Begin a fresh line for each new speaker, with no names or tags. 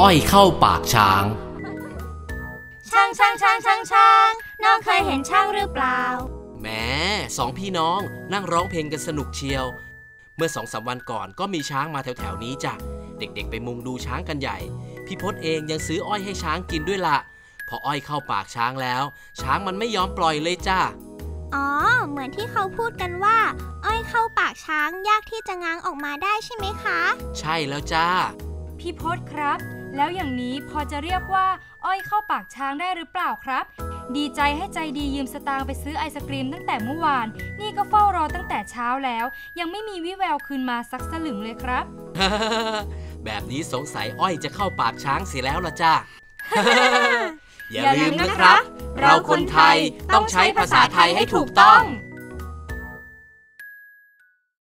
อยเข้าปากช้าง
ช้างน้องเคยเห็นช้างหรือเปล่า
แหมสองพี่น้องนั่งร้องเพลงกันสนุกเชียวเมื่อ2-3 วันก่อนก็มีช้างมาแถวๆนี้จ้ะเด็กๆไปมุงดูช้างกันใหญ่พี่พศเองยังซื้ออ้อยให้ช้างกินด้วยล่ะพออ้อยเข้าปากช้างแล้วช้างมันไม่ยอมปล่อยเลยจ้า
อ๋อเหมือนที่เขาพูดกันว่าอ้อยเข้าปากช้างยากที่จะง้างออกมาได้ใช่ไหมคะ
ใช่แล้วจ้า
พี่พศครับแล้วอย่างนี้พอจะเรียกว่าอ้อยเข้าปากช้างได้หรือเปล่าครับดีใจให้ใจดียืมสตางค์ไปซื้อไอศกรีมตั้งแต่เมื่อวานนี่ก็เฝ้ารอตั้งแต่เช้าแล้วยังไม่มีวิแววคืนมาสักสลึงเลยครับ
แบบนี้สงสัยอ้อยจะเข้าปากช้างเสียแล้วล่ะจ้า อย่าลืมนะครับเราคนไทยต้องใช้ภาษาไทยให้ถูกต้อง